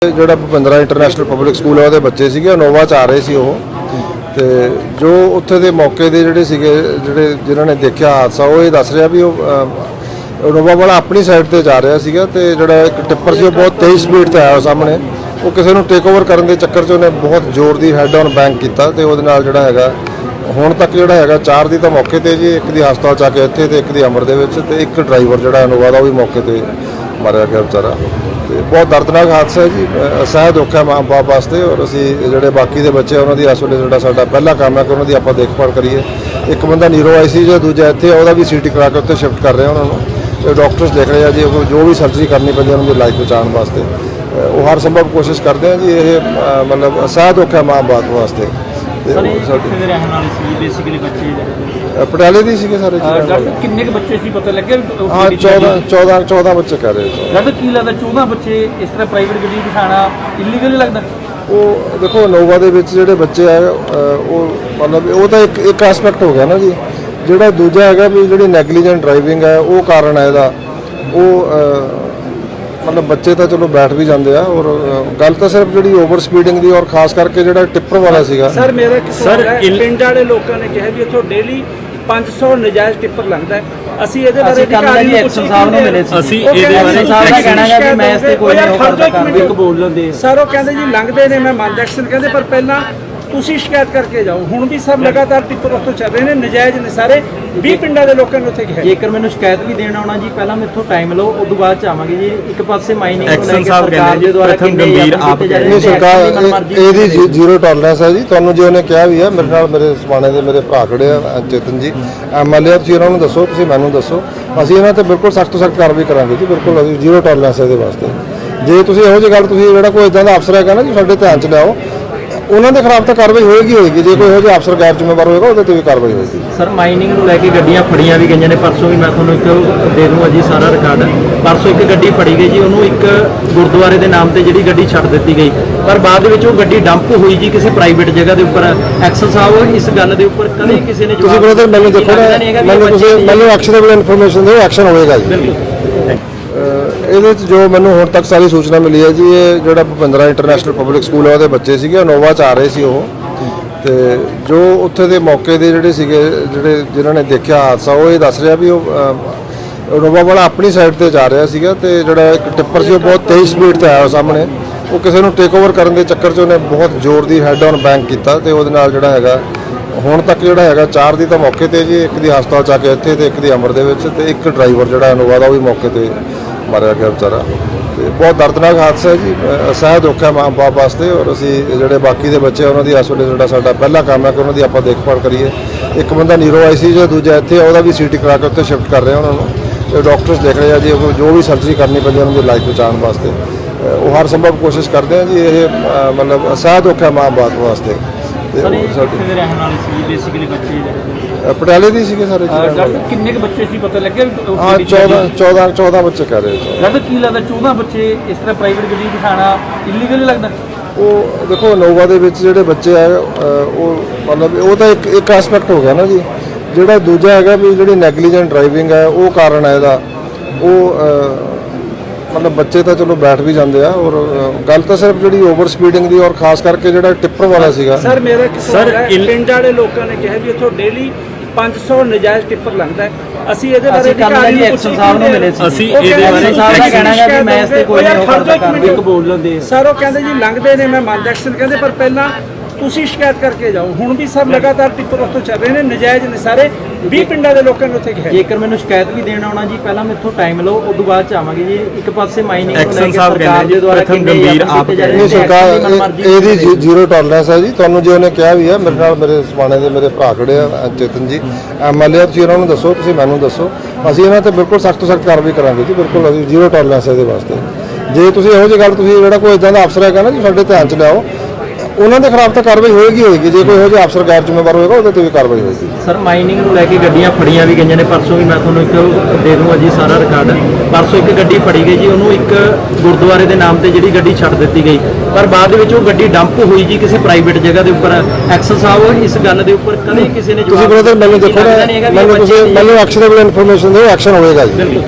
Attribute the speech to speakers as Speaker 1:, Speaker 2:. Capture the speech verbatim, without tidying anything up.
Speaker 1: ਜਿਹੜਾ Bhupindra international public school ਹੈ ਉਹਦੇ ਬੱਚੇ ਸੀਗੇ ਇਨੋਵਾ 'ਚ ਆ ਰਹੇ ਸੀ ਉਹ ਤੇ ਜੋ ਉੱਥੇ ਦੇ ਮੌਕੇ ਦੇ ਜਿਹੜੇ ਸੀਗੇ ਜਿਹੜੇ ਜਿਨ੍ਹਾਂ ਨੇ ਦੇਖਿਆ ਹਾਦਸਾ ਉਹ ਇਹ ਦੱਸ ਰਿਹਾ ਵੀ ਉਹ ਇਨੋਵਾ ਵਾਲਾ ਆਪਣੀ ਸਾਈਡ ਤੇ ਜਾ ਰਿਹਾ ਸੀਗਾ ਤੇ ਜਿਹੜਾ ਇੱਕ ਟਿੱਪਰ ਸੀ ਉਹ ਬਹੁਤ ਤੇਜ਼ ਸਪੀਡ ਤੇ ਆਇਆ ਸਾਹਮਣੇ ਉਹ ਕਿਸੇ ਨੂੰ ਟੇਕ ਓਵਰ ਕਰਨ ਦੇ ਚੱਕਰ 'ਚ ਉਹਨੇ ਬਹੁਤ ਜ਼ੋਰ ਦੀ ਹੈਡ ਔਨ ਬੈਂਕ ਕੀਤਾ ਤੇ ਉਹਦੇ ਨਾਲ ਜਿਹੜਾ ਹੈਗਾ ਹੁਣ ਤੱਕ ਜਿਹੜਾ ਹੈਗਾ ਚਾਰ ਦੀ ਤਾਂ ਮੌਕੇ ਤੇ ਜੀ ਇੱਕ ਦੀ ਹਸਪਤਾਲ 'ਚ ਆ ਕੇ ਇੱਥੇ ਤੇ ਇੱਕ ਦੀ ਅਮਰ ਦੇ ਵਿੱਚ ਤੇ ਇੱਕ ਡਰਾਈਵਰ ਜਿਹੜਾ ਇਨੋਵਾ ਦਾ ਉਹ ਵੀ ਮੌਕੇ ਤੇ ਮਾਰਿਆ ਗਿਆ ਵਿਚਾਰਾ। बहुत दर्दनाक हादसा है जी, असह दुख है माँ बाप वास्ते और असी जोड़े बाकी के बच्चे उन्होंने इस वे जो साडा पहला काम है कि उन्होंने आप देखभाल करिए। एक बंदा नीरो आई सी जो दूजा इतने वह भी सीटी करा के उत्ते शिफ्ट कर रहे हैं उन्होंने डॉक्टर्स देख रहे हैं जी जो भी सर्जरी करनी पैंती उन्होंने लाइफ बचाने वास्ते वो हर संभव कोशिश करते हैं जी। ये मतलब असह दुख है माँ बाप वास्ते। पटियाले दी सीगे सारे
Speaker 2: किन्ने के बच्चे सी पता लगे?
Speaker 1: हाँ चौदह चौदह चौदह बच्चे कह रहे
Speaker 2: हैं। की लगता चौदह बच्चे इस तरह प्राइवेट गड्डी बिठाना इलीगल लगता?
Speaker 1: वो देखो इनोवा दे विच जिहड़े बच्चे है वो मतलब वो तो एक एक एस्पैक्ट हो गया ना जी। जिहड़ा दूजा हैगा भी जिहड़ी नैगलीजेंट ड्राइविंग है वो कारण है इहदा वो मतलब बच्चे तो चलो बैठ भी जाते हैं और गल तो सिर्फ जी ओवर स्पीडिंग की और खास करके जो टिप्पर वाला सीगा।
Speaker 2: सर मेरा सर पिंड वाले लोगों ने कहा भी इत्थों डेली पाँच सौ नजायज़ टिप्पर लंघदा है। ਅਸੀਂ ਇਹਦੇ ਬਾਰੇ ਅਧਿਕਾਰੀ ਐਕਸ਼ਨ ਸਾਹਿਬ ਨੂੰ ਮਿਲੇ ਸੀ। ਅਸੀਂ ਇਹਦੇ ਬਾਰੇ ਸਾਹਿਬ ਦਾ ਕਹਿਣਾ ਹੈ ਕਿ ਮੈਂ ਇਸ ਤੇ ਕੋਈ ਨਹੀਂ ਕਰਦਾ ਕੰਮ ਇੱਕ ਬੋਲ ਲੈਂਦੇ ਸਰ ਉਹ ਕਹਿੰਦੇ ਜੀ ਲੰਘਦੇ ਨੇ ਮੈਂ ਮੰਨ ਐਕਸ਼ਨ ਕਹਿੰਦੇ ਪਰ ਪਹਿਲਾਂ ਤੁਸੀਂ ਸ਼ਿਕਾਇਤ ਕਰਕੇ ਜਾਓ। ਹੁਣ ਵੀ ਸਰ ਲਗਾਤਾਰ ਟਿੱਪਰ ਉੱਥੋਂ ਚੱਲ ਰਹੇ ਨੇ ਨਜਾਇਜ਼ ਨੇ ਸਾਰੇ ਵੀਹ ਪਿੰਡਾਂ ਦੇ ਲੋਕਾਂ ਨੇ ਉੱਥੇ ਕਿਹਾ ਜੇਕਰ ਮੈਨੂੰ ਸ਼ਿਕਾਇਤ ਵੀ ਦੇਣ ਆਉਣਾ ਜੀ ਪਹਿਲਾਂ ਮੈਥੋਂ ਟਾਈਮ ਲਓ ਉਸ ਤੋਂ ਬਾਅਦ ਚ ਆਵਾਂਗੇ ਜੀ। ਇੱਕ ਪਾਸੇ ਮਾਈਨਿੰਗ ਐਕਸ਼ਨ ਸਾਹਿਬ ਕਹਿੰਦੇ ਜੀ ਪ੍ਰਥਮ ਗੰਭੀਰ ਆਪ
Speaker 1: ਨਹੀਂ ਸਰਕਾਰ ਇਹਦੀ ਜ਼ੀਰੋ ਟੋਲਰੈਂਸ ਹੈ ਜੀ। ਤੁਹਾਨੂੰ ਜੇ ਉਹਨੇ ਕਿਹਾ ਵੀ ਹੈ ਮੇਰੇ ਨਾਲ ਮੇਰੇ ਸਮਾਣੇ ਦੇ ਮੇਰੇ ਭਰਾ ਖੜੇ ਆ ਚੇਤਨ ਜੀ ਐਮਐਲਏ ਤੁਸੀਂ ਉਹਨਾਂ ਨੂੰ ਦੱਸੋ ਤੁਸੀਂ ਮੈਨੂੰ ਦੱਸੋ ਅਸੀਂ ਇਹਨਾਂ ਤੇ ਬਿਲਕੁਲ ਸਖਤ ਤੋਂ ਸਖਤ ਕਾਰਵਾਈ ਕਰਾਂਗੇ ਜੀ। ਬਿਲਕੁਲ ਅਸੀਂ ਜ਼ੀਰੋ ਟੋਲਰੈਂਸ ਇਹਦੇ ਵਾਸਤੇ। ਜੇ ਤੁਸੀਂ ਇਹੋ ਜਿਹੀ ਗੱਲ ਤੁਸੀਂ ਜਿਹੜਾ ਕੋਈ ਇਦਾਂ ਦਾ ਅਫਸਰ ਹੈਗਾ ਨਾ ਜੀ ਸਾਡੇ ਧਿਆਨ ਚ ਲਿਆਓ ਉਹਨਾਂ ਦੇ ਖਿਲਾਫ ਤਾਂ ਕਾਰਵਾਈ ਹੋਏਗੀ ਹੋਏਗੀ। ਜੇ ਕੋਈ ਇਹੋ ਜਿਹਾ ਅਫਸਰ ਗੈਰ ਜ਼ਿੰਮੇਵਾਰ ਹੋਏਗਾ ਉਹਦੇ ਤੇ ਵੀ ਕਾਰਵਾਈ ਹੋਏਗੀ।
Speaker 2: ਸਰ ਮਾਈਨਿੰਗ ਨੂੰ ਲੈ ਕੇ ਗੱਡੀਆਂ ਫੜੀਆਂ ਵੀ ਗਈਆਂ ਨੇ ਪਰਸੋਂ ਵੀ ਮੈਂ ਤੁਹਾਨੂੰ ਇੱਕ ਦੇ ਦੂੰਗਾ ਜੀ ਸਾਰਾ ਰਿਕਾਰਡ। ਪਰਸੋਂ ਇੱਕ ਗੱਡੀ ਫੜੀ ਗਈ ਜੀ ਉਹਨੂੰ ਇੱਕ ਗੁਰਦੁਆਰੇ ਦੇ ਨਾਮ ਤੇ ਜਿਹੜੀ ਗੱਡੀ ਛੱਡ ਦਿੱਤੀ ਗਈ ਪਰ ਬਾਅਦ ਵਿੱਚ ਉਹ ਗੱਡੀ ਡੰਪ ਹੋਈ ਜੀ ਕਿਸੇ ਪ੍ਰਾਈਵੇਟ ਜਗ੍ਹਾ ਦੇ ਉੱਪਰ। ਐਕਸਲ ਸਾਹਿਬ ਇਸ ਗੱਲ ਦੇ ਉੱਪਰ ਕਦੇ ਕਿਸੇ ਨੇ
Speaker 1: ਤੁਸੀਂ ਬ੍ਰਦਰ ਮੈਨੂੰ ਦੇਖੋ ਨਾ ਮੈਨੂੰ ਤੁਸੀਂ ਮੈਨੂੰ ਐਕਸ਼ਨੇਬਲ ਇਨਫੋਰਮੇਸ਼ਨ ਦਿਓ ਐਕਸ਼ਨ ਹੋਏਗਾ ਜੀ। ਇਹਦੇ 'ਚ ਜੋ ਮੈਨੂੰ ਹੁਣ ਤੱਕ ਸਾਰੀ ਸੂਚਨਾ ਮਿਲੀ ਹੈ ਜੀ ਇਹ ਜਿਹੜਾ ਭੁਪਿੰਦਰਾ ਇੰਟਰਨੈਸ਼ਨਲ ਪਬਲਿਕ ਸਕੂਲ ਹੈ ਉਹਦੇ ਬੱਚੇ ਸੀਗੇ ਇਨੋਵਾ 'ਚ ਆ ਰਹੇ ਸੀ ਉਹ ਤੇ ਜੋ ਉੱਥੇ ਦੇ ਮੌਕੇ ਦੇ ਜਿਹੜੇ ਸੀਗੇ ਜਿਹੜੇ ਜਿਨ੍ਹਾਂ ਨੇ ਦੇਖਿਆ ਹਾਦਸਾ ਉਹ ਇਹ ਦੱਸ ਰਿਹਾ ਵੀ ਉਹ ਇਨੋਵਾ ਵਾਲਾ ਆਪਣੀ ਸਾਈਡ ਤੇ ਜਾ ਰਿਹਾ ਸੀਗਾ ਤੇ ਜਿਹੜਾ ਇੱਕ ਟਿੱਪਰ ਸੀ ਉਹ ਬਹੁਤ ਤੇਜ਼ ਸਪੀਡ ਤੇ ਆਇਆ ਸਾਹਮਣੇ ਉਹ ਕਿਸੇ ਨੂੰ ਟੇਕ ਓਵਰ ਕਰਨ ਦੇ ਚੱਕਰ 'ਚ ਉਹਨੇ ਬਹੁਤ ਜ਼ੋਰ ਦੀ ਹੈਡ ਔਨ ਬੈਂਕ ਕੀਤਾ ਤੇ ਉਹਦੇ ਨਾਲ ਜਿਹੜਾ ਹੈਗਾ ਹੁਣ ਤੱਕ ਜਿਹੜਾ ਹੈਗਾ ਚਾਰ ਦੀ ਤਾਂ ਮੌਕੇ ਤੇ ਜੀ ਇੱਕ ਦੀ ਹਸਪਤਾਲ 'ਚ ਆ ਕੇ ਇੱਥੇ ਤੇ ਇੱਕ ਦੀ ਅਮਰ ਦੇ ਵਿੱਚ ਤੇ ਇੱਕ ਡਰਾਈਵਰ ਜਿਹੜਾ ਇਨੋਵਾ ਦਾ ਉਹ ਵੀ ਮੌਕੇ ਤੇ ਮਾਰਿਆ ਗਿਆ ਵਿਚਾਰਾ। ਤੇ ਬਹੁਤ ਦਰਦਨਾਕ ਹਾਦਸਾ ਹੈ ਜੀ, ਅਸਹਿ ਦੁੱਖ ਹੈ ਮਾਂ ਬਾਪ ਵਾਸਤੇ ਔਰ ਅਸੀਂ ਜਿਹੜੇ ਬਾਕੀ ਦੇ ਬੱਚੇ ਉਹਨਾਂ ਦੀ ਇਸ ਵੇਲੇ ਜਿਹੜਾ ਸਾਡਾ ਪਹਿਲਾ ਕੰਮ ਹੈ ਕਿ ਉਹਨਾਂ ਦੀ ਆਪਾਂ ਦੇਖਭਾਲ ਕਰੀਏ। ਇੱਕ ਬੰਦਾ ਨੀਰੋ ਆਈ ਸੀ ਜੋ ਦੂਜਾ ਇੱਥੇ ਉਹਦਾ ਵੀ ਸੀਟੀ ਕਰਾ ਕੇ ਉੱਤੇ ਸ਼ਿਫਟ ਕਰ ਰਹੇ ਉਹਨਾਂ ਨੂੰ ਡਾਕਟਰਸ ਦੇਖ ਰਹੇ ਆ ਜੀ ਜੋ ਵੀ ਸਰਜਰੀ ਕਰਨੀ ਪੈਂਦੀ ਉਹਨਾਂ ਦੀ ਲਾਈਫ ਬਚਾਉਣ ਵਾਸਤੇ ਉਹ ਹਰ ਸੰਭਵ ਕੋਸ਼ਿਸ਼ ਕਰਦੇ ਆ ਜੀ। ਇਹ ਮਤਲਬ ਅਸਹਿ ਦੁੱਖ ਹੈ ਮਾਂ ਬਾਪ ਵਾਸਤੇ। पटियाले दी सीगे सारे
Speaker 2: किन्ने के बच्चे सी पता लगे?
Speaker 1: हाँ चौदह चौदह चौदह बच्चे कह रहे हैं।
Speaker 2: की लगता चौदह बच्चे इस तरह प्राइवेट गड्डी बिठाना इलीगल लगता?
Speaker 1: वो देखो इनोवा दे विच जिहड़े बच्चे है वो मतलब वो तो एक एक एस्पैक्ट हो गया ना जी। जिहड़ा दूजा हैगा भी जिहड़ी नैगलीजेंट ड्राइविंग है वो कारण है इहदा वो मतलब बच्चे तो चलो बैठ भी जाते हैं और गल तो सिर्फ जी ओवर स्पीडिंग की और खास करके जो टिप्पर वाला सीगा।
Speaker 2: सर मेरा सर पिंड वाले लोगों ने कहा भी इत्थों डेली पाँच सौ नजायज़ टिप्पर लंघदा है। ਅਸੀਂ ਇਹਦੇ ਬਾਰੇ ਅਧਿਕਾਰੀ ਐਕਸ਼ਨ ਸਾਹਿਬ ਨੂੰ ਮਿਲੇ ਸੀ। ਅਸੀਂ ਇਹਦੇ ਬਾਰੇ ਸਾਹਿਬ ਦਾ ਕਹਿਣਾ ਹੈ ਕਿ ਮੈਂ ਇਸ ਤੇ ਕੋਈ ਨਹੀਂ ਕਰਦਾ ਕੰਮ ਇੱਕ ਬੋਲ ਲੈਂਦੇ ਸਰ ਉਹ ਕਹਿੰਦੇ ਜੀ ਲੰਘਦੇ ਨੇ ਮੈਂ ਮੰਨ ਐਕਸ਼ਨ ਕਹਿੰਦੇ ਪਰ ਪਹਿਲਾਂ ਤੁਸੀਂ ਸ਼ਿਕਾਇਤ ਕਰਕੇ ਜਾਓ। ਹੁਣ ਵੀ ਸਰ ਲਗਾਤਾਰ ਟਿੱਪਰ ਉੱਥੋਂ ਚੱਲ ਰਹੇ ਨੇ ਨਜਾਇਜ਼ ਨੇ ਸਾਰੇ ਵੀਹ ਪਿੰਡਾਂ ਦੇ ਲੋਕਾਂ ਨੇ ਉੱਥੇ ਕਿਹਾ ਜੇਕਰ ਮੈਨੂੰ ਸ਼ਿਕਾਇਤ ਵੀ ਦੇਣ ਆਉਣਾ ਜੀ ਪਹਿਲਾਂ ਮੈਥੋਂ ਟਾਈਮ ਲਓ ਉਸ ਤੋਂ ਬਾਅਦ ਚ ਆਵਾਂਗੇ ਜੀ। ਇੱਕ ਪਾਸੇ ਮਾਈਨਿੰਗ ਐਕਸ਼ਨ ਸਾਹਿਬ ਕਹਿੰਦੇ ਜੀ ਪ੍ਰਥਮ ਗੰਭੀਰ ਆਪ
Speaker 1: ਨਹੀਂ ਸਰਕਾਰ ਇਹਦੀ ਜ਼ੀਰੋ ਟੋਲਰੈਂਸ ਹੈ ਜੀ। ਤੁਹਾਨੂੰ ਜੇ ਉਹਨੇ ਕਿਹਾ ਵੀ ਹੈ ਮੇਰੇ ਨਾਲ ਮੇਰੇ ਸਮਾਣੇ ਦੇ ਮੇਰੇ ਭਰਾ ਖੜੇ ਆ ਚੇਤਨ ਜੀ ਐਮਐਲਏ ਤੁਸੀਂ ਉਹਨਾਂ ਨੂੰ ਦੱਸੋ ਤੁਸੀਂ ਮੈਨੂੰ ਦੱਸੋ ਅਸੀਂ ਇਹਨਾਂ ਤੇ ਬਿਲਕੁਲ ਸਖਤ ਤੋਂ ਸਖਤ ਕਾਰਵਾਈ ਕਰਾਂਗੇ ਜੀ। ਬਿਲਕੁਲ ਅਸੀਂ ਜ਼ੀਰੋ ਟੋਲਰੈਂਸ ਇਹਦੇ ਵਾਸਤੇ। ਜੇ ਤੁਸੀਂ ਇਹੋ ਜਿਹੀ ਗੱਲ ਤੁਸੀਂ ਜਿਹੜਾ ਕੋਈ ਇਦਾਂ ਦਾ ਅਫਸਰ ਹੈਗਾ ਨਾ ਜੀ ਸਾਡੇ ਧਿਆਨ ਚ ਲਿਆਓ ਉਹਨਾਂ ਦੇ ਖਿਲਾਫ ਤਾਂ ਕਾਰਵਾਈ ਹੋਏਗੀ ਹੋਏਗੀ। ਜੇ ਕੋਈ ਇਹੋ ਜਿਹਾ ਅਫਸਰ ਗੈਰ ਜ਼ਿੰਮੇਵਾਰ ਹੋਏਗਾ ਉਹਦੇ ਤੇ ਵੀ ਕਾਰਵਾਈ ਹੋਏਗੀ।
Speaker 2: ਸਰ ਮਾਈਨਿੰਗ ਨੂੰ ਲੈ ਕੇ ਗੱਡੀਆਂ ਫੜੀਆਂ ਵੀ ਗਈਆਂ ਨੇ ਪਰਸੋਂ ਵੀ ਮੈਂ ਤੁਹਾਨੂੰ ਇੱਕ ਦੇ ਦੂੰਗਾ ਜੀ ਸਾਰਾ ਰਿਕਾਰਡ। ਪਰਸੋਂ ਇੱਕ ਗੱਡੀ ਫੜੀ ਗਈ ਜੀ ਉਹਨੂੰ ਇੱਕ ਗੁਰਦੁਆਰੇ ਦੇ ਨਾਮ ਤੇ ਜਿਹੜੀ ਗੱਡੀ ਛੱਡ ਦਿੱਤੀ ਗਈ ਪਰ ਬਾਅਦ ਵਿੱਚ ਉਹ ਗੱਡੀ ਡੰਪ ਹੋਈ ਜੀ ਕਿਸੇ ਪ੍ਰਾਈਵੇਟ ਜਗ੍ਹਾ ਦੇ ਉੱਪਰ। ਐਕਸਲ ਸਾਹਿਬ ਇਸ ਗੱਲ ਦੇ ਉੱਪਰ ਕਦੇ ਕਿਸੇ ਨੇ
Speaker 1: ਤੁਸੀਂ ਬ੍ਰਦਰ ਮੈਨੂੰ ਦੇਖੋ ਨਾ ਮੈਨੂੰ ਤੁਸੀਂ ਮੈਨੂੰ ਐਕਸ਼ਨੇਬਲ ਇਨਫੋਰਮੇਸ਼ਨ ਦਿਓ ਐਕਸ਼ਨ ਹੋਏਗਾ ਜੀ।